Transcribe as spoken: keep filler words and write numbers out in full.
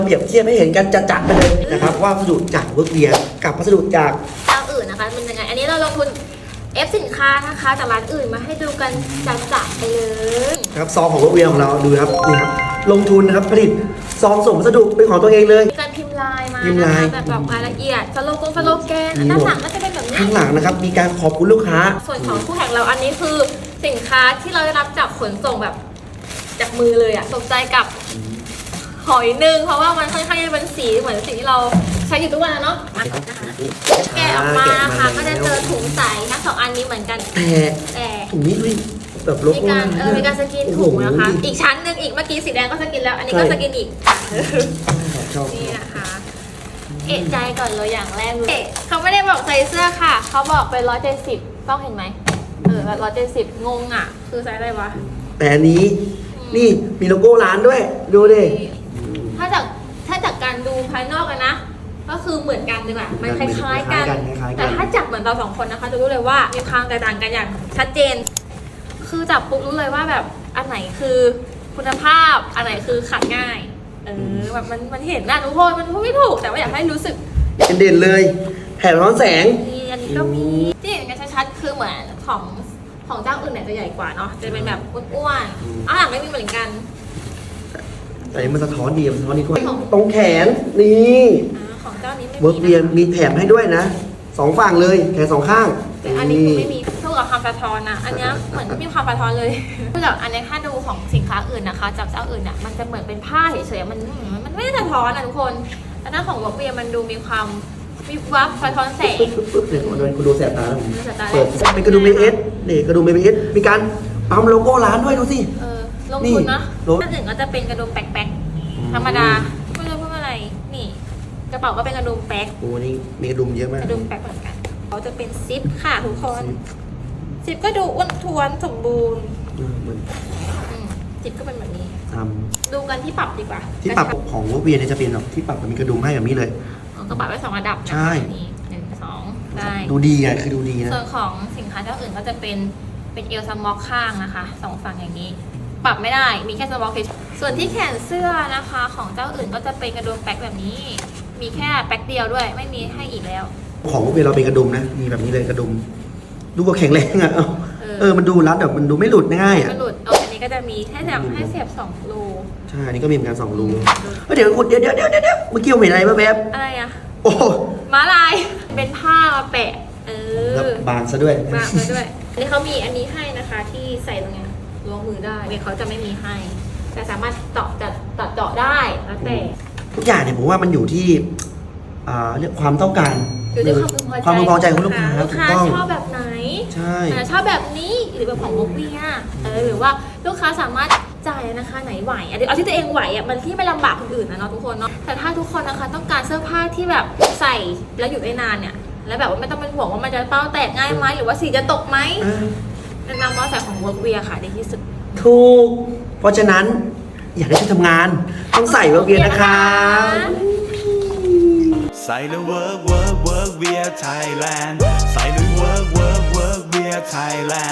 เปรียบเทียบให้เห็นกันจัดๆไปเลยนะครับว่าวัสดุจากเวิร์กเวียกับวัสดุจากเจ้าอื่นนะคะเป็นยังไงอันนี้เราลงทุนเอฟสินค้านะคะจากร้านอื่นมาให้ดูกันจัดๆไปเลยครับซองของเวิร์กเวียของเราดูครับนี่ครับลงทุนนะครับผลิตซองส่งวัสดุเป็นของตัวเองเลยมีการพิมพ์ลายมานะคะแบบบอกรายละเอียดสโลโกนสโลแกนด้านหลังก็จะเป็นแบบนี้ข้างหลังนะครับมีการขอบคุณลูกค้าส่วนของคู่แข่งเราอันนี้คือสินค้าที่เราได้รับจากขนส่งแบบจากมือเลยอะสนใจกับหอยหนึ่งเพราะว่ามันค่อนข้างจะเป็นสีเหมือนสิ่งที่เราใช้อยู่ทุกวันนะเนาะแกะออกมาค่ะก็จะเจอถุงใสทั้งสองอันนี้เหมือนกันแต่แต่ถุงนี้ด้วยแบบโลโก้มีการเออมีการสกินถุงนะคะอีกชั้นหนึ่งอีกเมื่อกี้สีแดงก็สกินแล้วอันนี้ก็สกินอีกนี่นะคะเอะใจก่อนเลยอย่างแรกเลยเขาไม่ได้บอกใส่เสื้อค่ะเขาบอกเป็นร้อยเจ็ดสิบต้องเห็นไหมเออร้อยเจ็ดสิบงงอ่ะคือไซส์อะไรวะแต่อันนี้นี่มีโลโก้ร้านด้วยดูดิถ้าจากถ้าจากการดูภายนอกกันนะก็คือเหมือนกันดีกว่ามันคล้ายๆกันแต่ถ้าจับเหมือนเราสองคนนะคะจะรู้เลยว่ามีความแตกต่างกันอย่างชัดเจนคือจับปุ๊บรู้เลยว่าแบบอันไหนคือคุณภาพอันไหนคือขัดง่ายเออแบบมันมันเห็นนะทุกคนมันพูดไม่ถูกแต่ว่าอยากให้รู้สึกเด่นเลยแถบร้อนแสงนี่อันนี้ก็มีที่เห็นกันชัดๆคือเหมือนของของเจ้าอื่นเนี่ยจะใหญ่กว่าเนาะจะเป็นแบบอ้วนๆอ่ะไม่มีเหมือนกันแต่มันสะท้อนดีมันสะท้อนดีกว่าตรงแขนนี่ของเจ้านี้เวิร์กเวียมีแถมให้ด้วยนะสองฝั่งเลยแขนสองข้างแต่อันนี้คือไม่มีเท่ากับความสะท้อนนะอันนี้เหมือนไม่มีความสะท้อนเลยคือแบบอันนี้ถ้าดูของสินค้าอื่นนะคะจากเจ้าอื่นอ่ะมันจะเหมือนเป็นผ้าเฉยๆมันมันไม่ได้สะท้อนนะทุกคนแต่หน้าของเวิร์กเวียมันดูมีความวิบวับสะท้อนแสงปึ๊บเนี่ยมันเป็นกระดูกแสบตาแล้วเปิดเป็นกระดูกเมเอสนี่กระดูกเมเอสมีการปั๊มโลโก้ร้านด้วยดูสิเออลงทุนนะถ้าอื่นก็จะเป็นกระดุมแป๊กๆธรรมดาไม่รู้ว่าอะไรนี่กระเป๋าก็เป็นกระดุมแป๊กโอ้นี่มีกระดุมเยอะมากกระดุมแป๊กเหมือนกันเขาจะเป็นซิปค่ะทุกคนซิปก็ดูอ้วนท้วนสมบูรณ์ซิปก็เป็นแบบนี้ดูกันที่ปรับดีกว่าที่ปรับของเวิร์กเวียเนี่ยจะเป็นแบบที่ปรับมีกระดุมให้แบบนี้เลยก็ปรับไว้สองระดับใช่หนึ่งสองได้ดูดีอ่ะคือดูดีนะส่วนของสินค้าเจ้าอื่นก็จะเป็นเป็นเอลซัมมอกข้างนะคะสองฝั่งอย่างนี้ปรับไม่ได้มีแค่สมอกส่วนที่แขนเสื้อนะคะของเจ้าอื่นก็จะเป็นกระดุมแป๊กแบบนี้มีแค่แป๊กเดียวด้วยไม่มีให้อีกแล้วของพวกเราเป็นกระดุมนะมีแบบนี้เลยกระดุมดูว่าแข็งแรงอ่ะเออมันดูรัดแบบมันดูไม่หลุดง่ายอ่ะไม่หลุดเอาอันนี้ก็จะมีให้แบบให้เสียบสองรูใช่อันนี้ก็มีเหมือนกันสองรูเดี๋ยวคุณเดี๋ยวเดี๋ยวเดี๋ยวเดี๋ยวเมื่อกี้เห็นอะไรแบบอะไรอ่ะโอ้ม้าลายเป็นผ้ามาแปะเออบางซะด้วยบางซะด้วยอันนี้เขามีอันนี้ให้นะคะที่ใส่ตรงนี้ล้วงมือได้เนี่ยเขาจะไม่มีให้แต่สามารถเจาะจัดตัดเจาะได้แล้วแต่ทุกอย่างเนี่ยผมว่ามันอยู่ที่เรื่องความต้องการอยู่ที่ความพึงพอใจของลูกค้าลูกค้าชอบแบบไหนใช่ชอบแบบนี้หรือแบบของมุกเวียเออหรือว่าลูกค้าสามารถจ่ายนะคะไหนไหวเอาที่ตัวเองไหวอ่ะมันที่ไม่ลำบากคนอื่นนะเนาะทุกคนเนาะแต่ถ้าทุกคนนะคะต้องการเสื้อผ้าที่แบบใส่แล้วอยู่ได้นานเนี่ยแล้วแบบว่าไม่ต้องเป็นห่วงว่ามันจะเป้าแตกง่ายไหมหรือว่าสีจะตกไหมแนะนำว่าใส่ของเวิร์กเวียค่ะดีที่สุดถูกเพราะฉะนั้นอยากได้ชุดทำงานต้องใส่เวิร์กเวียนะคะใส่แล้วเวิร์กเวิร์กเวิร์กเวียไทยแลนด์ใส่แล้วเวิร์กเวิร์กเวิร์กเวียไทยแลนด์